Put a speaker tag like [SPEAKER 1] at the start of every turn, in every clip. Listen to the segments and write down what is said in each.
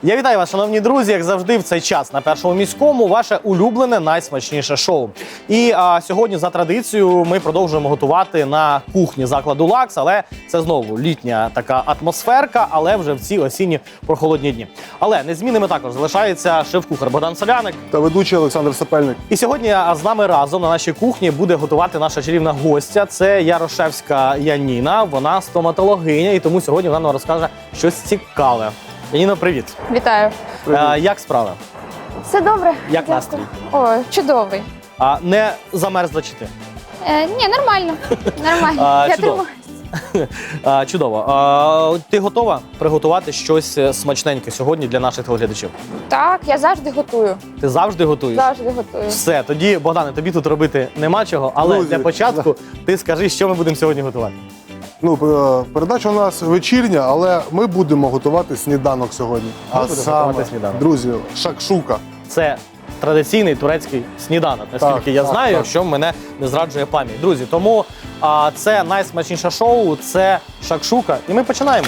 [SPEAKER 1] Я вітаю вас, шановні друзі, як завжди в цей час на Першому міському ваше улюблене найсмачніше шоу. І сьогодні за традицією ми продовжуємо готувати на кухні закладу «Лакс», але це знову літня така атмосферка, але вже в ці осінні прохолодні дні. Але незмінними також залишається шеф-кухар Богдан Соляник
[SPEAKER 2] та ведучий Олександр Сапельник.
[SPEAKER 1] І сьогодні з нами разом на нашій кухні буде готувати наша чарівна гостя. Це Ярошевська Яніна, вона стоматологиня, і тому сьогодні вона нам розкаже щось цікаве. Яніно, привіт.
[SPEAKER 3] Вітаю.
[SPEAKER 1] Як справи?
[SPEAKER 3] Все добре.
[SPEAKER 1] Як
[SPEAKER 3] Дякую.
[SPEAKER 1] настрій?
[SPEAKER 3] Ой, чудовий.
[SPEAKER 1] Не замерзла чи ти?
[SPEAKER 3] Ні, нормально. Нормально. Я
[SPEAKER 1] чудово.
[SPEAKER 3] тримаюсь.
[SPEAKER 1] Чудово. Ти готова приготувати щось смачненьке сьогодні для наших телеглядачів?
[SPEAKER 3] Так, я завжди готую.
[SPEAKER 1] Ти завжди готуєш?
[SPEAKER 3] Завжди готую.
[SPEAKER 1] Все, тоді, Богдане, тобі тут робити нема чого, але
[SPEAKER 2] Друзі,
[SPEAKER 1] для початку ти скажи, що ми будемо сьогодні готувати.
[SPEAKER 2] Передача у нас вечірня, але ми будемо готувати сніданок сьогодні.
[SPEAKER 1] Будемо готувати сніданок.
[SPEAKER 2] Друзі, шакшука.
[SPEAKER 1] Це традиційний турецький сніданок, наскільки я знаю, якщо мене не зраджує пам'ять. Друзі, тому це найсмачніше шоу, це шакшука, і ми починаємо.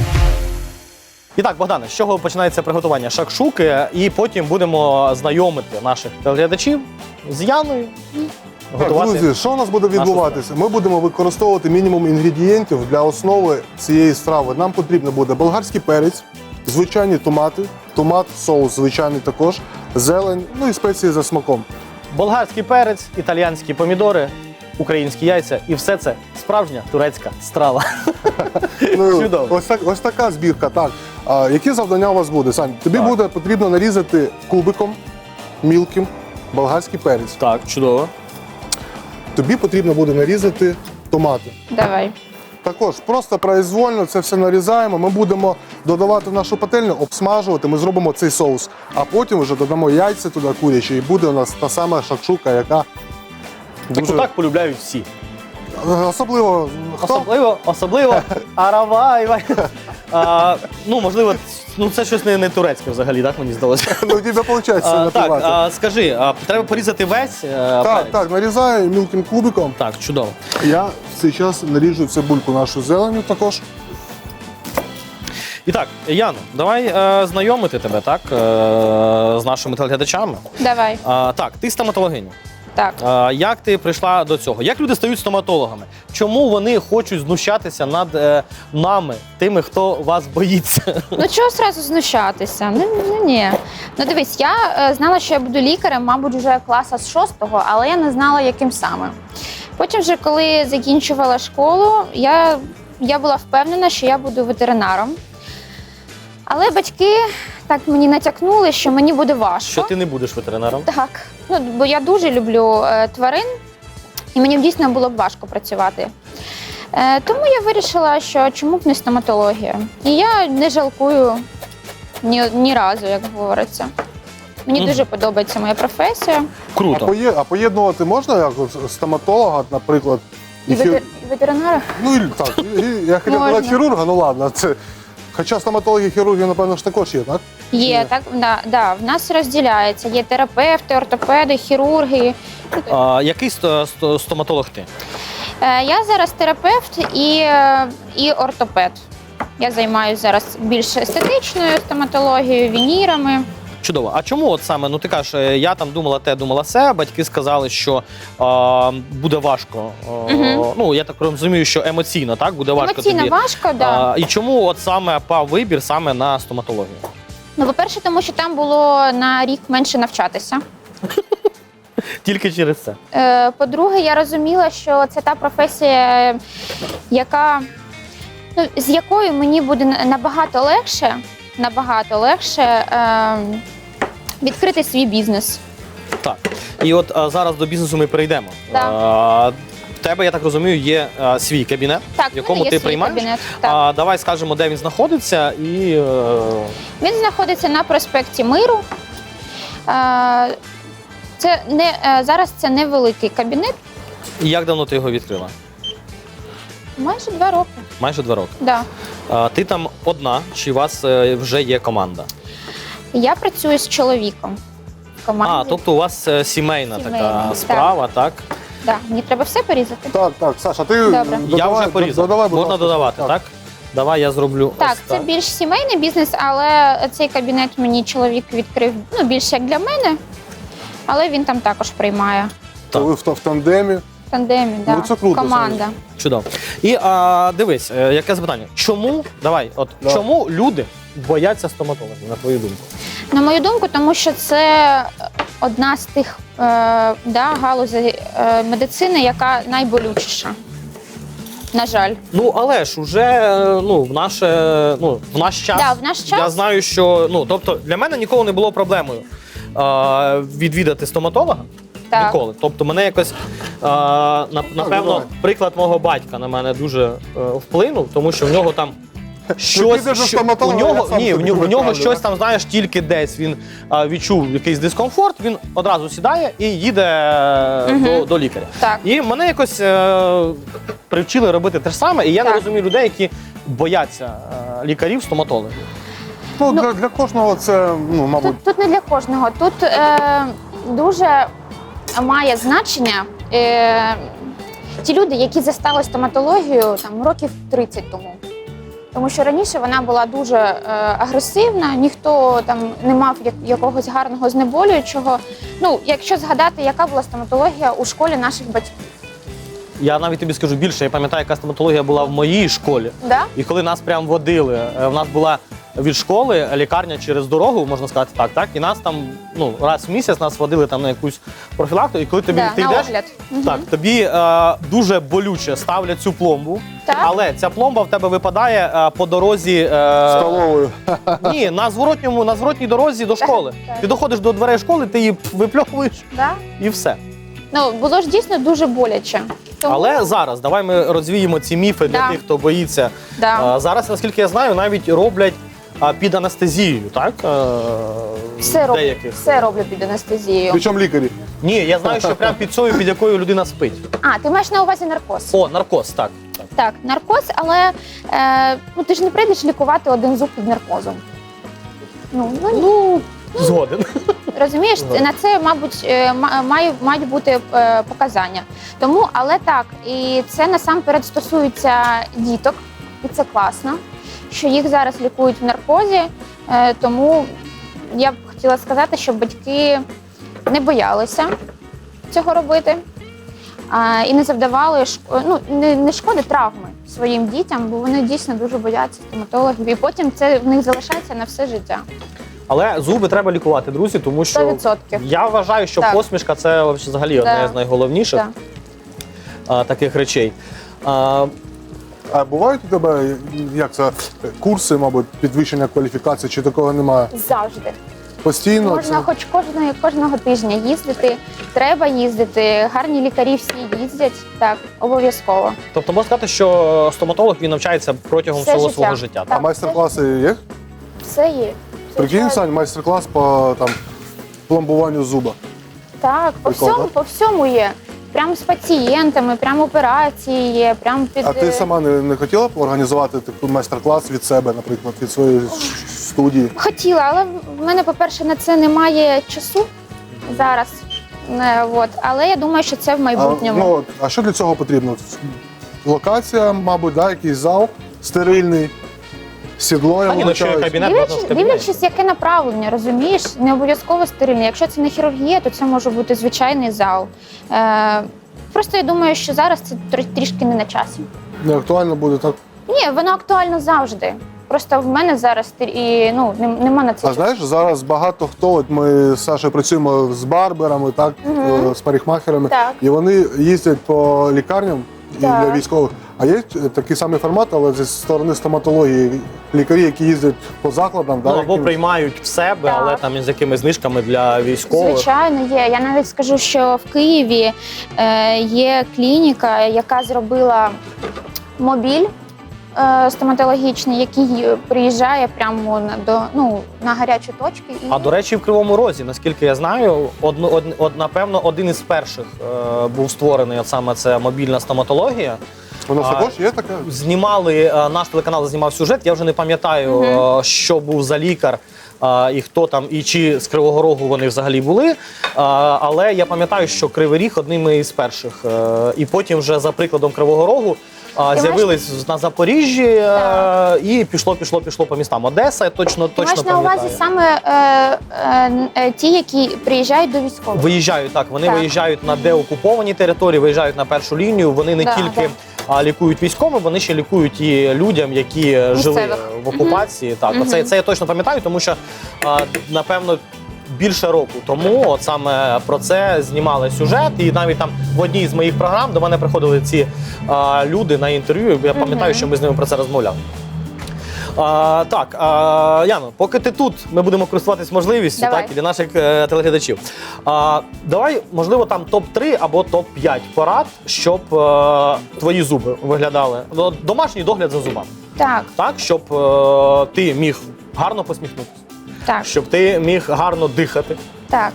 [SPEAKER 1] І так, Богдане, з чого починається приготування шакшуки, і потім будемо знайомити наших телеглядачів з Яною.
[SPEAKER 2] Друзі, що у нас буде відбуватися? Ми будемо використовувати мінімум інгредієнтів для основи цієї страви. Нам потрібно буде болгарський перець, звичайні томати, соус звичайний також, зелень, ну і спеції за смаком.
[SPEAKER 1] Болгарський перець, італіянські помідори, українські яйця, і все це справжня турецька страва. Чудово.
[SPEAKER 2] Ось така збірка. Так. Які завдання у вас буде, Сань? Тобі буде потрібно нарізати кубиком мілким болгарський перець.
[SPEAKER 1] Так, чудово.
[SPEAKER 2] Тобі потрібно буде нарізати томати.
[SPEAKER 3] Давай.
[SPEAKER 2] Також просто произвольно це все нарізаємо. Ми будемо додавати в нашу пательню, обсмажувати, ми зробимо цей соус. А потім вже додамо яйця туди курячі, і буде у нас та сама шакшука, яка
[SPEAKER 1] Таку так полюбляють всі.
[SPEAKER 2] Особливо хто?
[SPEAKER 1] Особливо Аравай. Можливо, це щось не турецьке взагалі, так мені здалося.
[SPEAKER 2] Ну, у тебе виходить
[SPEAKER 1] Так, скажи, треба порізати весь перець?
[SPEAKER 2] Так, нарізаю мілким кубиком.
[SPEAKER 1] Так, чудово.
[SPEAKER 2] Я в цей час наріжу цибульку нашу зеленю також.
[SPEAKER 1] І так, Яно, давай знайомити тебе, так, з нашими телеглядачами.
[SPEAKER 3] Давай.
[SPEAKER 1] Так, ти стоматологиня.
[SPEAKER 3] Так.
[SPEAKER 1] Як ти прийшла до цього? Як люди стають стоматологами? Чому вони хочуть знущатися над нами, тими, хто вас боїться?
[SPEAKER 3] Ну чого одразу знущатися? Ні. Ну дивись, я знала, що я буду лікарем, мабуть, вже класа з 6-го, але я не знала, яким саме. Потім вже, коли закінчувала школу, я була впевнена, що я буду ветеринаром. Але батьки так мені натякнули, що мені буде важко.
[SPEAKER 1] Що ти не будеш ветеринаром?
[SPEAKER 3] Так, бо я дуже люблю тварин, і мені дійсно було б важко працювати. Тому я вирішила, що чому б не стоматологія. І я не жалкую ні разу, як говориться. Мені дуже подобається моя професія.
[SPEAKER 1] Круто.
[SPEAKER 2] А поєднувати можна як стоматолога, наприклад,
[SPEAKER 3] І ветеринара.
[SPEAKER 2] Ну, так, я хотів сказати хірурга, ну ладно. Хоча стоматологи і хірурги, напевно, ж також є, так?
[SPEAKER 3] Є, так, да, в нас розділяється. Є терапевти, ортопеди, хірурги.
[SPEAKER 1] Який стоматолог ти?
[SPEAKER 3] Я зараз терапевт і ортопед. Я займаюся зараз більш естетичною стоматологією, вінірами.
[SPEAKER 1] Чудово. А чому от саме, ти кажеш, я там думала те, думала се, батьки сказали, що буде важко. Я так розумію, що емоційно, так? Буде важко
[SPEAKER 3] Емоційно
[SPEAKER 1] тобі.
[SPEAKER 3] важко, да.
[SPEAKER 1] І чому от саме пав вибір саме на стоматологію?
[SPEAKER 3] Ну, по-перше, тому що там було на рік менше навчатися.
[SPEAKER 1] Тільки через це?
[SPEAKER 3] По-друге, я розуміла, що це та професія, з якою мені буде набагато легше відкрити свій бізнес.
[SPEAKER 1] Так. І от зараз до бізнесу ми перейдемо.
[SPEAKER 3] Так.
[SPEAKER 1] В тебе, я так розумію, є свій кабінет,
[SPEAKER 3] Так,
[SPEAKER 1] в якому
[SPEAKER 3] є
[SPEAKER 1] ти
[SPEAKER 3] свій
[SPEAKER 1] приймаєш.
[SPEAKER 3] кабінет, так.
[SPEAKER 1] Давай скажемо, де він знаходиться.
[SPEAKER 3] Він знаходиться на проспекті Миру. Зараз це невеликий кабінет.
[SPEAKER 1] І як давно ти його відкрила?
[SPEAKER 3] Майже 2 роки.
[SPEAKER 1] Майже 2 роки.
[SPEAKER 3] Да.
[SPEAKER 1] Ти там одна, чи у вас вже є команда?
[SPEAKER 3] Я працюю з чоловіком в команді.
[SPEAKER 1] Тобто у вас сімейна така справа, так?
[SPEAKER 3] Да. Мені треба все порізати?
[SPEAKER 2] Так, Саша, ти
[SPEAKER 3] Добре.
[SPEAKER 1] Я вже порізав. Можна додавати, так? Давай я зроблю
[SPEAKER 3] Так,
[SPEAKER 1] ось
[SPEAKER 3] це
[SPEAKER 1] так.
[SPEAKER 3] більш сімейний бізнес, але цей кабінет мені чоловік відкрив більше як для мене, але він там також приймає.
[SPEAKER 2] То ви в тандемі.
[SPEAKER 3] В тандемі, да.
[SPEAKER 2] Ну, це круто,
[SPEAKER 3] Команда.
[SPEAKER 1] Чудово. І дивись, яке запитання. Чому, чому люди бояться стоматологів, на твою думку?
[SPEAKER 3] На мою думку, тому що це одна з тих галузей медицини, яка найболючіша. На жаль.
[SPEAKER 1] Ну, але ж уже в наш час,
[SPEAKER 3] Да, в наш час.
[SPEAKER 1] Я знаю, що тобто для мене ніколи не було проблемою відвідати стоматолога.
[SPEAKER 3] Так.
[SPEAKER 1] Ніколи. Тобто мене якось, напевно, приклад мого батька на мене дуже вплинув, тому що в нього там щось,
[SPEAKER 2] підеш до стоматолога, я сам
[SPEAKER 1] в
[SPEAKER 2] тобі
[SPEAKER 1] нього
[SPEAKER 2] виправлю,
[SPEAKER 1] щось
[SPEAKER 2] да?
[SPEAKER 1] там, знаєш, тільки десь він відчув якийсь дискомфорт, він одразу сідає і їде до лікаря.
[SPEAKER 3] Так.
[SPEAKER 1] І мене якось привчили робити те ж саме, і я не
[SPEAKER 3] Так.
[SPEAKER 1] розумію людей, які бояться лікарів, стоматологів.
[SPEAKER 2] Ну, для кожного це, мабуть,
[SPEAKER 3] Тут не для кожного. Тут дуже має значення ті люди, які застали стоматологію там, років 30 тому. Тому що раніше вона була дуже агресивна, ніхто там не мав якогось гарного знеболюючого. Ну, якщо згадати, яка була стоматологія у школі наших батьків.
[SPEAKER 1] Я навіть тобі скажу більше, я пам'ятаю, яка стоматологія була в моїй школі.
[SPEAKER 3] Да?
[SPEAKER 1] І коли нас прям водили, в нас була від школи лікарня через дорогу, можна сказати так, і нас там раз в місяць нас водили там на якусь профілактику, і коли тобі ти
[SPEAKER 3] на
[SPEAKER 1] йдеш,
[SPEAKER 3] огляд.
[SPEAKER 1] так, тобі дуже болюче ставлять цю пломбу,
[SPEAKER 3] Так.
[SPEAKER 1] але ця пломба в тебе випадає по дорозі
[SPEAKER 2] столовою.
[SPEAKER 1] ні, на зворотній дорозі до школи.
[SPEAKER 3] так.
[SPEAKER 1] Ти доходиш до дверей школи, ти її випльовуєш
[SPEAKER 3] Да?
[SPEAKER 1] і все.
[SPEAKER 3] Ну, було ж дійсно дуже боляче. Тому,
[SPEAKER 1] Але зараз давай ми розвіємо ці міфи для
[SPEAKER 3] Да.
[SPEAKER 1] тих, хто боїться.
[SPEAKER 3] Да.
[SPEAKER 1] Зараз, наскільки я знаю, навіть роблять під анестезією, так?
[SPEAKER 3] все роблю під анестезією.
[SPEAKER 2] Причому лікарі.
[SPEAKER 1] Ні, я знаю, що прямо під цією, під якою людина спить.
[SPEAKER 3] А, ти маєш на увазі наркоз?
[SPEAKER 1] О, наркоз, так.
[SPEAKER 3] Так, наркоз, але ти ж не прийдеш лікувати один зуб під наркозом.
[SPEAKER 1] Згоден.
[SPEAKER 3] Розумієш, на це, мабуть, мають бути показання. Тому, але так, і це насамперед стосується діток, і це класно, що їх зараз лікують в наркозі. Тому я б хотіла сказати, щоб батьки не цього робити і не завдавали не шкоди, травми своїм дітям, бо вони дійсно дуже бояться стоматологів, і потім це в них залишається на все життя.
[SPEAKER 1] Але зуби треба лікувати, друзі, тому що
[SPEAKER 3] 100%.
[SPEAKER 1] я вважаю, що
[SPEAKER 3] Так.
[SPEAKER 1] посмішка – це взагалі одне з найголовніших таких речей.
[SPEAKER 2] А бувають у тебе, курси, мабуть, підвищення кваліфікації, чи такого немає?
[SPEAKER 3] Завжди.
[SPEAKER 2] Постійно?
[SPEAKER 3] Можна хоч кожного тижня їздити, треба їздити, гарні лікарі всі їздять, так, обов'язково.
[SPEAKER 1] Тобто можна сказати, що стоматолог він навчається протягом
[SPEAKER 3] Все
[SPEAKER 1] всього
[SPEAKER 3] життя.
[SPEAKER 1] свого життя.
[SPEAKER 2] А майстер-класи є?
[SPEAKER 3] Все є.
[SPEAKER 2] Прикинь, Сань, майстер-клас по пломбуванню зуба.
[SPEAKER 3] Так,
[SPEAKER 2] Прикольно.
[SPEAKER 3] по всьому є. Прямо з пацієнтами, прямо операції є, прямо під...
[SPEAKER 2] А ти сама не хотіла б організувати такий майстер-клас від себе, наприклад, від своєї студії?
[SPEAKER 3] Хотіла, але в мене, по-перше, на це немає часу зараз. Але я думаю, що це в майбутньому.
[SPEAKER 2] А що для цього потрібно? Локація, мабуть, якийсь зал стерильний, сідло, я вибачаюсь.
[SPEAKER 1] Кабінет можна в кабінеті.
[SPEAKER 3] Дивлячись, яке направлення, розумієш? Не обов'язково стерильне. Якщо це не хірургія, то це може бути звичайний зал. Просто я думаю, що зараз це трішки не на часі.
[SPEAKER 2] Не актуально буде так.
[SPEAKER 3] Ні, воно актуально завжди. Просто в мене зараз нема на це
[SPEAKER 2] А
[SPEAKER 3] часу.
[SPEAKER 2] знаєш, зараз багато хто, ми з Сашою працюємо з барберами, з парикмахерами,
[SPEAKER 3] Так.
[SPEAKER 2] і вони їздять по лікарням і
[SPEAKER 3] Так.
[SPEAKER 2] для військових. А є такий самий формат, але зі сторони стоматології, лікарі, які їздять по закладам.
[SPEAKER 1] Або приймають в себе,
[SPEAKER 3] Так.
[SPEAKER 1] але там із якимись знижками для військових.
[SPEAKER 3] Звичайно, є. Я навіть скажу, що в Києві є клініка, яка зробила мобіль стоматологічний, який приїжджає прямо на гарячі точки.
[SPEAKER 1] А до речі, в Кривому Розі, наскільки я знаю, напевно, один із перших був створений саме це мобільна стоматологія.
[SPEAKER 2] У нас також є таке?
[SPEAKER 1] Знімали, наш телеканал знімав сюжет, я вже не пам'ятаю, що був за лікар. і хто там, і чи з Кривого Рогу вони взагалі були. Але я пам'ятаю, що Кривий Ріг одним із перших. І потім вже за прикладом Кривого Рогу з'явились на Запоріжжі і пішло по містам. Одеса, точно
[SPEAKER 3] Маєш на
[SPEAKER 1] пам'ятаю.
[SPEAKER 3] увазі саме ті, які приїжджають до військових?
[SPEAKER 1] Виїжджають, так. Вони
[SPEAKER 3] Так.
[SPEAKER 1] виїжджають на деокуповані території, виїжджають на першу лінію. Вони не тільки лікують військовим, вони ще лікують і людям, які жили в окупації. Так, це я точно пам'ятаю, тому що, напевно, більше року тому от саме про це знімали сюжет. І навіть там в одній з моїх програм до мене приходили ці люди на інтерв'ю. Я пам'ятаю, що ми з ними про це розмовляли. Так, Яно, поки ти тут, ми будемо користуватись можливістю так, і для наших телеглядачів. Давай, можливо, там топ-3 або топ-5 порад, щоб твої зуби виглядали. Домашній догляд за зубами. Так, щоб ти міг гарно посміхнутися.
[SPEAKER 3] Так.
[SPEAKER 1] Щоб ти міг гарно дихати.
[SPEAKER 3] Так.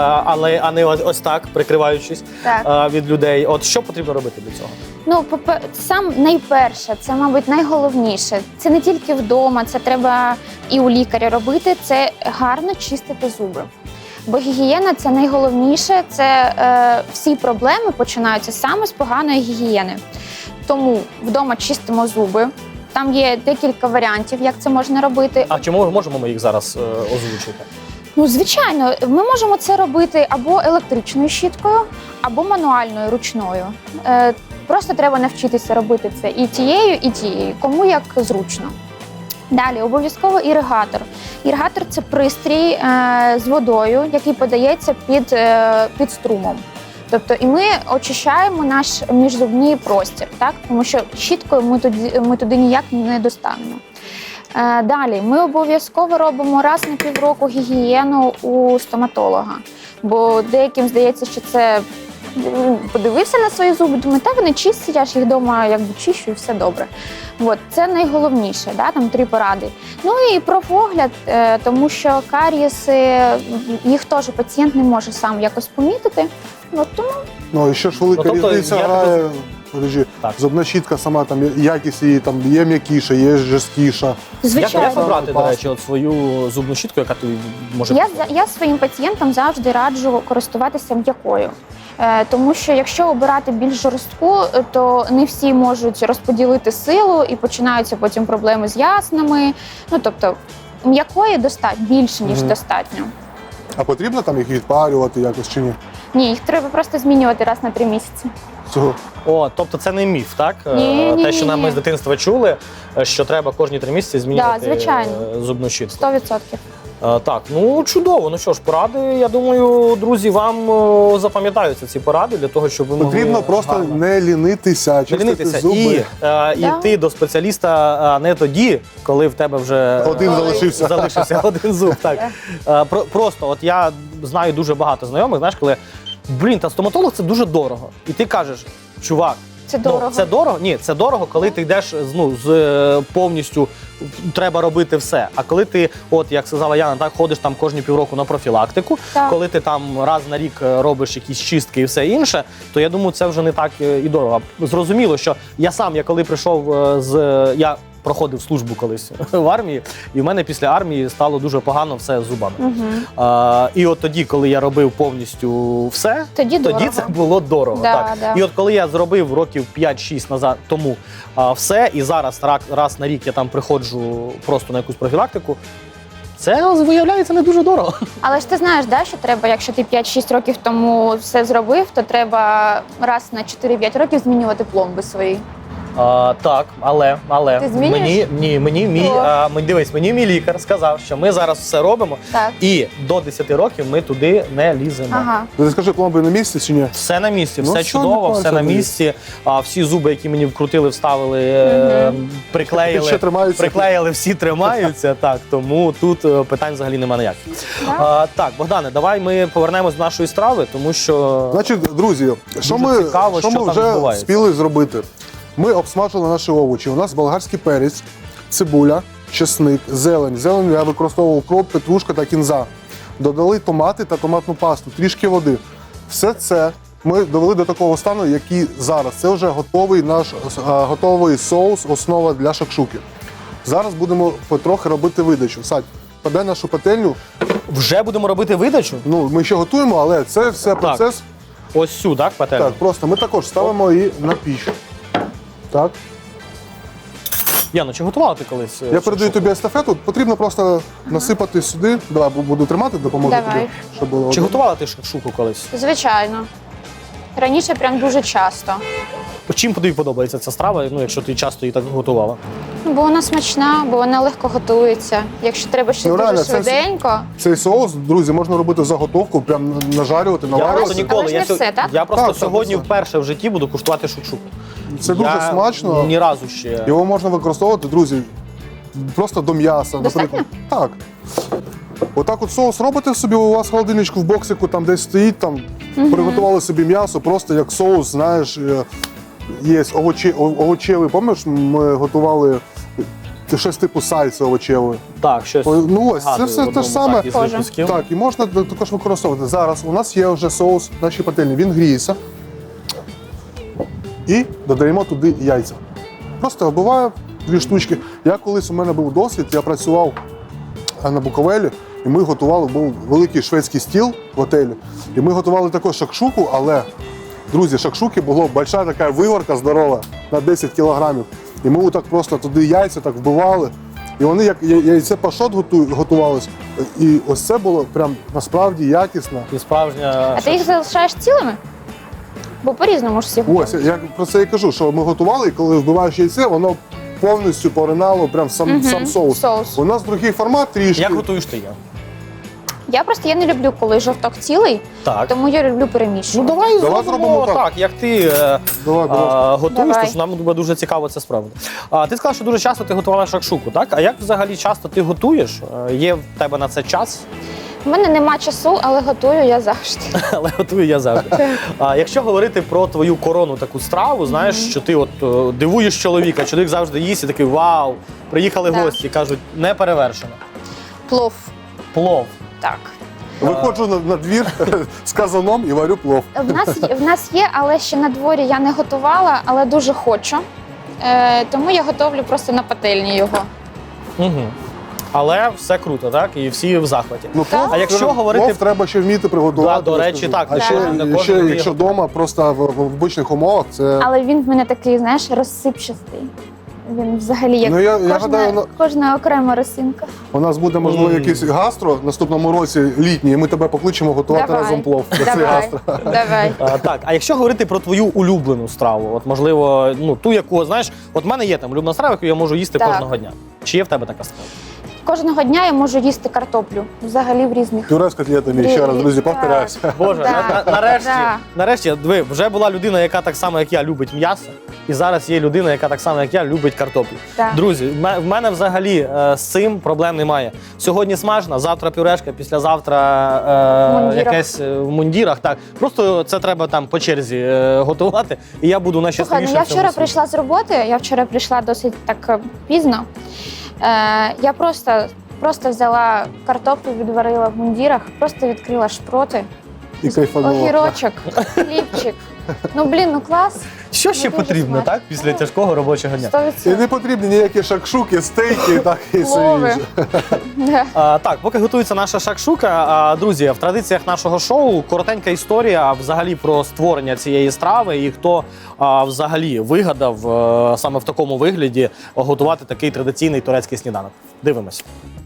[SPEAKER 1] А не ось так, прикриваючись від людей. От що потрібно робити для цього?
[SPEAKER 3] Ну, сам найперше, це, мабуть, найголовніше. Це не тільки вдома, це треба і у лікаря робити, це гарно чистити зуби. Бо гігієна – це найголовніше, це всі проблеми починаються саме з поганої гігієни. Тому вдома чистимо зуби. Там є декілька варіантів, як це можна робити.
[SPEAKER 1] А чому можемо ми їх зараз озвучити?
[SPEAKER 3] Ну, звичайно, ми можемо це робити або електричною щіткою, або мануальною, ручною. Просто треба навчитися робити це і тією, кому як зручно. Далі, обов'язково іригатор. Іригатор – це пристрій з водою, який подається під струмом. Тобто і ми очищаємо наш міжзубний простір, так? Тому що щіткою ми туди ніяк не достанемо. Далі, ми обов'язково робимо раз на півроку гігієну у стоматолога. Бо деяким здається, що це подивився на свої зуби, думає, та вони чисті, я ж їх вдома якби чищу і все добре. От, це найголовніше, да? Там 3 поради. Ну і профогляд, тому що карієси, їх теж пацієнт не може сам якось помітити. От, тому...
[SPEAKER 2] Ну і ще ж велика різниця грає. Зубна щітка сама, там якість її там є м'якіша, є жорсткіша.
[SPEAKER 3] Звичайно.
[SPEAKER 1] Як обрати, до речі, от свою зубну щітку, яка тобі може...
[SPEAKER 3] Я своїм пацієнтам завжди раджу користуватися м'якою. Тому що якщо обирати більш жорстку, то не всі можуть розподілити силу і починаються потім проблеми з яснами. Ну, тобто м'якої достатньо, більше, ніж достатньо.
[SPEAKER 2] А потрібно там їх відпарювати якось чи ні?
[SPEAKER 3] Ні, їх треба просто змінювати раз на 3 місяці.
[SPEAKER 2] Цього.
[SPEAKER 1] О, тобто це не міф, так? Те, що ми з дитинства чули, що треба кожні 3 місяці змінювати зубну щітку.
[SPEAKER 3] 100%.
[SPEAKER 1] Так, ну чудово. Ну що ж, поради, я думаю, друзі, вам запам'ятаються ці поради для того, щоб ви могли...
[SPEAKER 2] Потрібно просто не лінитися, чистити зуби.
[SPEAKER 1] І йти до спеціаліста не тоді, коли в тебе вже залишився один зуб. Так. Просто, от я знаю дуже багато знайомих, знаєш, коли, та стоматолог – це дуже дорого. І ти кажеш, чувак,
[SPEAKER 3] це дорого.
[SPEAKER 1] Це дорого? Ні, це дорого, коли ти йдеш з повністю, треба робити все. А коли ти, от як сказала Яна, так ходиш там кожні півроку на профілактику, коли ти там раз на рік робиш якісь чистки і все інше, то я думаю, це вже не так і дорого. Зрозуміло, що я коли прийшов я проходив службу колись в армії, і в мене після армії стало дуже погано все з зубами. І от тоді, коли я робив повністю все, тоді це було дорого. Так. І от коли я зробив років 5-6 назад тому все, і зараз раз на рік я там приходжу просто на якусь профілактику, це, виявляється, не дуже дорого. Але
[SPEAKER 3] ж ти знаєш, да, що треба, якщо ти 5-6 років тому все зробив, то треба раз на 4-5 років змінювати пломби свої.
[SPEAKER 1] Так, але
[SPEAKER 3] ти змінюєш?
[SPEAKER 1] Мені мій лікар сказав, що ми зараз все робимо, і до 10 років ми туди не ліземо.
[SPEAKER 2] Ти скажи, пломби на місці чи ні?
[SPEAKER 1] Все на місці, все чудово, все на місці. Всі зуби, які мені вкрутили, вставили, приклеїли, всі тримаються. Так, тому тут питань взагалі немає ніяких. Так, Богдане, давай ми повернемось до нашої страви, тому що...
[SPEAKER 2] Значить, друзі, що ми вже встигли зробити? Ми обсмажили наші овочі. У нас болгарський перець, цибуля, чесник, зелень. Зелень я використовував укроп, петрушка та кінза. Додали томати та томатну пасту, трішки води. Все це ми довели до такого стану, який зараз. Це вже готовий соус, основа для шакшуки. Зараз будемо потрохи робити видачу. Садь. паде нашу пательню.
[SPEAKER 1] Вже будемо робити видачу?
[SPEAKER 2] Ну, ми ще готуємо, але це все процес.
[SPEAKER 1] Ось сюди, так, пательню?
[SPEAKER 2] Так, просто ми також ставимо її на піч. Так.
[SPEAKER 1] Яно, чи готувала ти колись?
[SPEAKER 2] Я передаю тобі естафету, потрібно просто насипати сюди. Давай, буду тримати, допоможу
[SPEAKER 3] Давай.
[SPEAKER 2] тобі, щоб було.
[SPEAKER 1] Чи готувала ти шакшуку колись?
[SPEAKER 3] Звичайно. Раніше прям дуже часто.
[SPEAKER 1] Чим тобі подобається ця страва, ну, якщо ти часто її так готувала?
[SPEAKER 3] Ну, бо вона смачна, бо вона легко готується. Якщо треба щось
[SPEAKER 2] Ну,
[SPEAKER 3] дуже
[SPEAKER 2] реально, це
[SPEAKER 3] швиденько.
[SPEAKER 2] Цей соус, друзі, можна робити заготовку, прям нажарювати,
[SPEAKER 1] Я просто
[SPEAKER 2] наварювати.
[SPEAKER 1] ніколи.
[SPEAKER 3] Але ж не все, так?
[SPEAKER 1] Я просто
[SPEAKER 2] Так,
[SPEAKER 1] сьогодні
[SPEAKER 2] так,
[SPEAKER 1] вперше в житті буду куштувати шакшуку.
[SPEAKER 2] Це дуже
[SPEAKER 1] Я
[SPEAKER 2] смачно.
[SPEAKER 1] Ні разу ще.
[SPEAKER 2] Його можна використовувати, друзі, просто до м'яса,
[SPEAKER 3] Достатньо?
[SPEAKER 2] наприклад. Так. Отак от соус робите собі, у вас в холодильничку в боксику там десь стоїть, там приготували собі м'ясо, просто як соус, знаєш, є овочевий, пам'ятаєш, ми готували щось типу сальси овочевої.
[SPEAKER 1] Так, щось.
[SPEAKER 2] Ну ось, це
[SPEAKER 1] згадую
[SPEAKER 2] все
[SPEAKER 1] в
[SPEAKER 2] те
[SPEAKER 1] одному,
[SPEAKER 2] ж саме.
[SPEAKER 1] так, із
[SPEAKER 3] Схоже.
[SPEAKER 1] випусків.
[SPEAKER 2] Так, і можна також використовувати. Зараз у нас є вже соус в нашій пательні, він гріється. І додаємо туди яйця. Просто вбиваю 2 штучки. У мене був досвід, я працював на Буковелі, і ми готували, був великий шведський стіл в готелі. І ми готували також шакшуку, але, друзі, шакшуки було большая така виворка здорова на 10 кілограмів. І ми отак просто туди яйця так вбивали. І вони як яйце пашот готувалось. І ось це було прям насправді якісно.
[SPEAKER 1] І справжня.
[SPEAKER 3] А ти їх залишаєш цілими? Бо по-різному ж всі
[SPEAKER 2] Ось,
[SPEAKER 3] готують.
[SPEAKER 2] я про це і кажу, що ми готували, і коли вбиваєш яйце, воно повністю поринало прям сам соус.
[SPEAKER 3] Соус.
[SPEAKER 2] У нас другий формат трішки.
[SPEAKER 1] Як готуєш ти я?
[SPEAKER 3] Я не люблю, коли жовток цілий,
[SPEAKER 1] Так.
[SPEAKER 3] тому я люблю
[SPEAKER 1] Ну
[SPEAKER 3] перемішувати.
[SPEAKER 1] давай
[SPEAKER 2] Давай
[SPEAKER 1] зробимо
[SPEAKER 2] зробимо
[SPEAKER 1] так,
[SPEAKER 2] так.
[SPEAKER 1] як ти
[SPEAKER 2] Давай, будь ласка.
[SPEAKER 1] готуєш,
[SPEAKER 3] Давай.
[SPEAKER 1] тож нам буде дуже цікаво це справити. Ти сказав, що дуже часто ти готувала шакшуку, так? А як взагалі часто ти готуєш? Є в тебе на це час?
[SPEAKER 3] У мене нема часу, але готую я завжди.
[SPEAKER 1] Але готую я завжди. Якщо говорити про твою коронну таку страву, знаєш, що ти от дивуєш чоловіка, чоловік завжди їсть і такий вау, приїхали
[SPEAKER 3] Так.
[SPEAKER 1] гості, кажуть, не перевершено.
[SPEAKER 3] Плов.
[SPEAKER 1] Плов.
[SPEAKER 3] Так.
[SPEAKER 2] Виходжу на двір з казаном і варю плов.
[SPEAKER 3] В нас є, але ще на дворі я не готувала, але дуже хочу. Тому я готовлю просто на пательні його.
[SPEAKER 1] Угу. Але все круто, так? І всі в захваті.
[SPEAKER 2] Ну, плов,
[SPEAKER 1] А якщо говорити-
[SPEAKER 2] плов треба ще вміти приготувати.
[SPEAKER 1] Да, до
[SPEAKER 2] я
[SPEAKER 1] речі,
[SPEAKER 2] скажу.
[SPEAKER 1] так,
[SPEAKER 2] А
[SPEAKER 3] не
[SPEAKER 2] ще,
[SPEAKER 1] кожен
[SPEAKER 2] ще
[SPEAKER 1] вміє.
[SPEAKER 2] якщо вдома, просто в обичних умовах, це...
[SPEAKER 3] Але він в мене такий, знаєш, розсипчастий. Він взагалі як
[SPEAKER 2] Ну, я
[SPEAKER 3] кожна,
[SPEAKER 2] гадаю,
[SPEAKER 3] кожна окрема росинка.
[SPEAKER 2] У нас буде, можливо, якийсь гастро в наступному році літній, і ми тебе покличемо готувати
[SPEAKER 3] Давай.
[SPEAKER 2] разом плов. Це
[SPEAKER 3] Давай,
[SPEAKER 2] гастро.
[SPEAKER 3] давай.
[SPEAKER 1] Так, а якщо говорити про твою улюблену страву, от можливо, ну ту, яку знаєш, от в мене є там улюблена страва, яку я можу їсти
[SPEAKER 3] Так.
[SPEAKER 1] кожного дня. Чи є в тебе така страва?
[SPEAKER 3] Кожного дня я можу їсти картоплю. Взагалі в різних.
[SPEAKER 2] Пюре з котлетами, ще раз, друзі,
[SPEAKER 3] Так.
[SPEAKER 2] повторяюся.
[SPEAKER 1] Боже,
[SPEAKER 3] Да,
[SPEAKER 1] нарешті,
[SPEAKER 3] да.
[SPEAKER 1] нарешті, диви, вже була людина, яка так само, як я, любить м'ясо, і зараз є людина, яка так само, як я, любить картоплю.
[SPEAKER 3] Так.
[SPEAKER 1] Друзі, в мене взагалі з цим проблем немає. Сьогодні смажна, завтра пюрешка, післязавтра
[SPEAKER 3] В мундірах.
[SPEAKER 1] якесь в мундірах. Так, просто це треба там по черзі готувати, і я буду
[SPEAKER 3] Слухай,
[SPEAKER 1] найщасливішим.
[SPEAKER 3] ну я
[SPEAKER 1] в цьому
[SPEAKER 3] вчора
[SPEAKER 1] світі.
[SPEAKER 3] прийшла з роботи, я вчора прийшла досить так пізно. Я просто взяла картоплю, відварила в мундірах, просто відкрила шпроти,
[SPEAKER 2] І кайфануло.
[SPEAKER 3] огірочок, хлібчик. Ну блін, ну клас.
[SPEAKER 1] Що ще
[SPEAKER 3] Ну, дуже
[SPEAKER 1] потрібно,
[SPEAKER 3] смачно.
[SPEAKER 1] так, після тяжкого робочого дня?
[SPEAKER 3] 100%.
[SPEAKER 2] І не потрібні ніякі шакшуки, стейки, так і все
[SPEAKER 3] Плови.
[SPEAKER 2] інше.
[SPEAKER 3] Да.
[SPEAKER 1] Так, поки готується наша шакшука, друзі, в традиціях нашого шоу коротенька історія взагалі про створення цієї страви і хто взагалі вигадав саме в такому вигляді готувати такий традиційний турецький сніданок. Дивимось.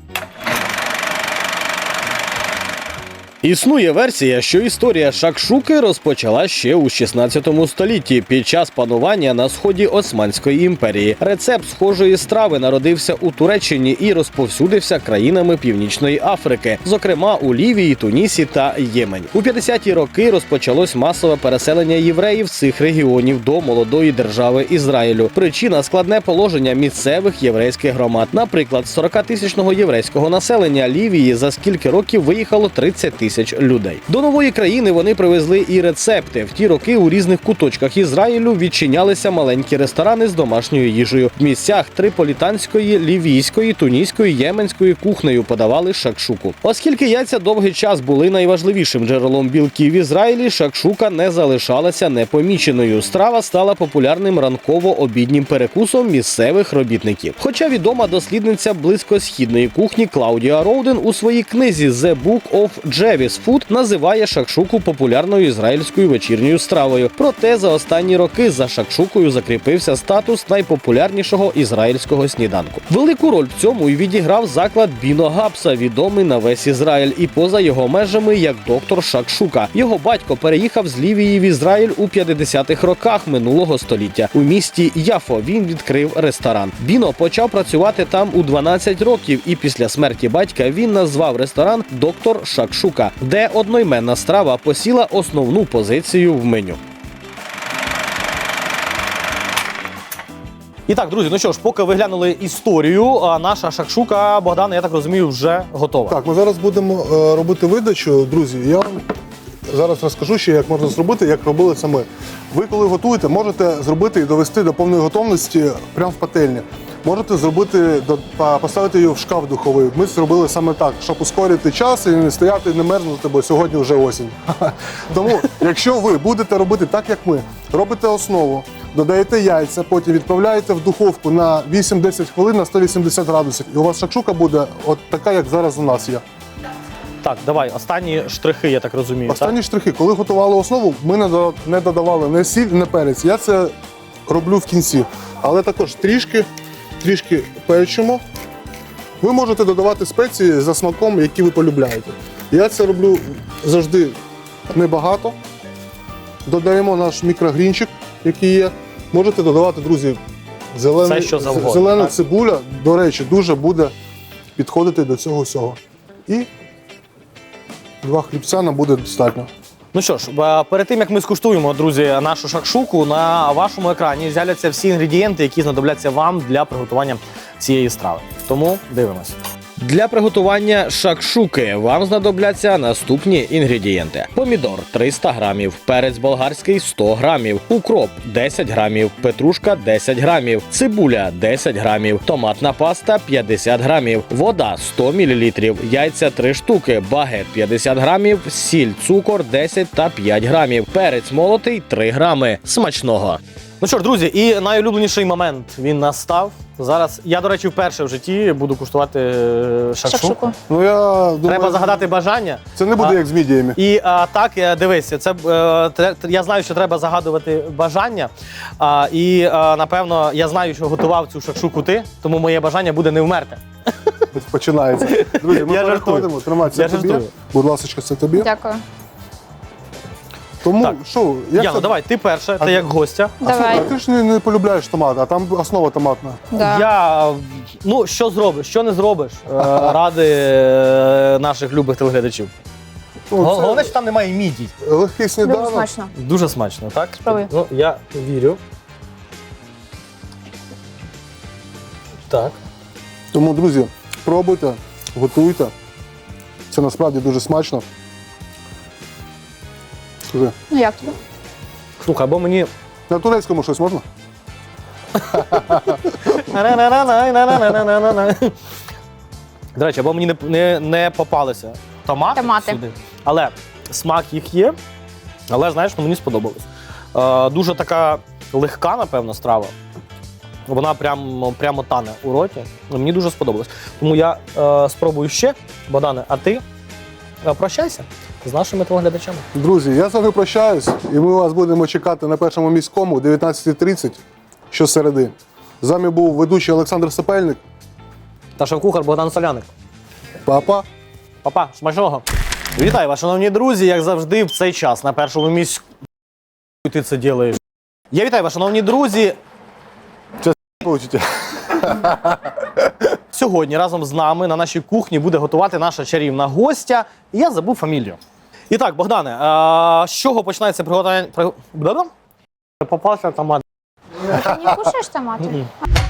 [SPEAKER 1] Існує версія, що історія шакшуки розпочала ще у 16 столітті під час панування на сході Османської імперії. Рецепт схожої страви народився у Туреччині і розповсюдився країнами Північної Африки, зокрема у Лівії, Тунісі та Ємені. У 50-ті роки розпочалось масове переселення євреїв з цих регіонів до молодої держави Ізраїлю. Причина – складне положення місцевих єврейських громад. Наприклад, з 40-тисячного єврейського населення Лівії за скільки років виїхало 30 тисяч тисяч людей. До нової країни вони привезли і рецепти. В ті роки у різних куточках Ізраїлю відчинялися маленькі ресторани з домашньою їжею. В місцях триполітанської, лівійської, тунійської, єменської кухнею подавали шакшуку. Оскільки яйця довгий час були найважливішим джерелом білків в Ізраїлі, шакшука не залишалася непоміченою. Страва стала популярним ранково-обіднім перекусом місцевих робітників. Хоча відома дослідниця близькосхідної кухні Клаудія Роуден у своїй книзі «The Book of Jewish Food» називає шакшуку популярною ізраїльською вечірньою стравою. Проте за останні роки за шакшукою закріпився статус найпопулярнішого ізраїльського сніданку. Велику роль в цьому й відіграв заклад Біно Гапса, відомий на весь Ізраїль і поза його межами як доктор Шакшука. Його батько переїхав з Лівії в Ізраїль у 50-х роках минулого століття. У місті Яфо він відкрив ресторан. Біно почав працювати там у 12 років, і після смерті батька він назвав ресторан «Доктор Шакшука», де одноіменна страва посіла основну позицію в меню. І так, друзі, ну що ж, поки ви глянули історію, наша шакшука, Богдан, я так розумію, вже готова.
[SPEAKER 2] Так, ми зараз будемо робити видачу. Друзі, я вам зараз розкажу ще, як можна зробити, як робили це ми. Ви, коли готуєте, можете зробити і довести до повної готовності прямо в пательні. Можете зробити, поставити її в шкаф духовий. Ми зробили саме так, щоб ускорити час і не стояти, не мерзнути, бо сьогодні вже осінь. Тому, якщо ви будете робити так, як ми, робите основу, додаєте яйця, потім відправляєте в духовку на 8-10 хвилин на 180 градусів. І у вас шакшука буде от така, як зараз у нас є.
[SPEAKER 1] Так, давай, останні штрихи, я так розумію.
[SPEAKER 2] Останні штрихи. Коли готували основу, ми не додавали не сіль, не перець. Я це роблю в кінці. Але також трішки перчимо. Ви можете додавати спеції за смаком, які ви полюбляєте. Я це роблю завжди небагато. Додаємо наш мікрогрінчик, який є. Можете додавати, друзі, зелена цибуля, до речі, дуже буде підходити до цього всього. І 2 хлібця нам буде достатньо.
[SPEAKER 1] Ну що ж, перед тим, як ми скуштуємо, друзі, нашу шакшуку, на вашому екрані з'являться всі інгредієнти, які знадобляться вам для приготування цієї страви. Тому дивимось. Для приготування шакшуки вам знадобляться наступні інгредієнти. Помідор – 300 грамів, перець болгарський – 100 грамів, укроп – 10 грамів, петрушка – 10 грамів, цибуля – 10 грамів, томатна паста – 50 грамів, вода – 100 мл, яйця – 3 штуки, багет – 50 грамів, сіль, цукор – 10 та 5 грамів, перець молотий – 3 грами. Смачного! Ну що ж, друзі, і найулюбленіший момент він настав. Зараз я, до речі, вперше в житті буду куштувати шакшуку.
[SPEAKER 2] Ну, я думаю,
[SPEAKER 1] Треба загадати бажання.
[SPEAKER 2] це не буде як з мідіями.
[SPEAKER 1] І так, дивися, я знаю, що треба загадувати бажання. Напевно, я знаю, що готував цю шакшуку ти, тому моє бажання буде не вмерти.
[SPEAKER 2] Починається. Друзі, ми
[SPEAKER 1] Я
[SPEAKER 2] переходимо. Тримай, це тобі.
[SPEAKER 1] жартую.
[SPEAKER 2] Будь ласка, це тобі.
[SPEAKER 3] Дякую.
[SPEAKER 2] Тому,
[SPEAKER 1] Так.
[SPEAKER 2] що, як
[SPEAKER 1] Яно,
[SPEAKER 2] це?
[SPEAKER 1] давай, ти перша, ти як гостя.
[SPEAKER 3] Давай.
[SPEAKER 2] А ти ж не полюбляєш томат, а там основа томатна.
[SPEAKER 3] Да.
[SPEAKER 1] Я, ну, що зробиш, що не зробиш ради наших любих телеглядачів.
[SPEAKER 2] Ну, це
[SPEAKER 1] Головне, що там немає мідій.
[SPEAKER 2] легкий
[SPEAKER 3] Дуже
[SPEAKER 2] сніданок.
[SPEAKER 3] смачно.
[SPEAKER 1] Дуже смачно, так?
[SPEAKER 3] Спробуй.
[SPEAKER 1] Ну, я вірю. Так.
[SPEAKER 2] Тому, друзі, пробуйте, готуйте. Це насправді дуже смачно. Скажи,
[SPEAKER 3] Ну як тобі?
[SPEAKER 1] Слухай, або мені.
[SPEAKER 2] на турецькому щось можна?
[SPEAKER 1] До речі, або мені не попалися томати сюди. Але смак їх є. Але, знаєш, ну, мені сподобалось. Дуже така легка, напевно, страва. Вона прямо тане у роті. Мені дуже сподобалось. Тому я спробую ще. Богдане, а ти прощайся з нашими телеглядачами.
[SPEAKER 2] Друзі, я з вами прощаюсь, і ми вас будемо чекати на Першому міському о 19:30 щосереди. З вами був ведучий Олександр Сапельник.
[SPEAKER 1] Та шеф-кухар Богдан Соляник.
[SPEAKER 2] Па-па.
[SPEAKER 1] Па-па, смачного. Вітаю вас, шановні друзі, як завжди, в цей час на Першому міському. Ти це робиш. Я вітаю вас, шановні друзі.
[SPEAKER 2] Получите.
[SPEAKER 1] Сьогодні разом з нами на нашій кухні буде готувати наша чарівна гостя. І я забув фамілію. І так, Богдане, з чого починається приготування? Попався томат.
[SPEAKER 3] Ти не кушаєш томати?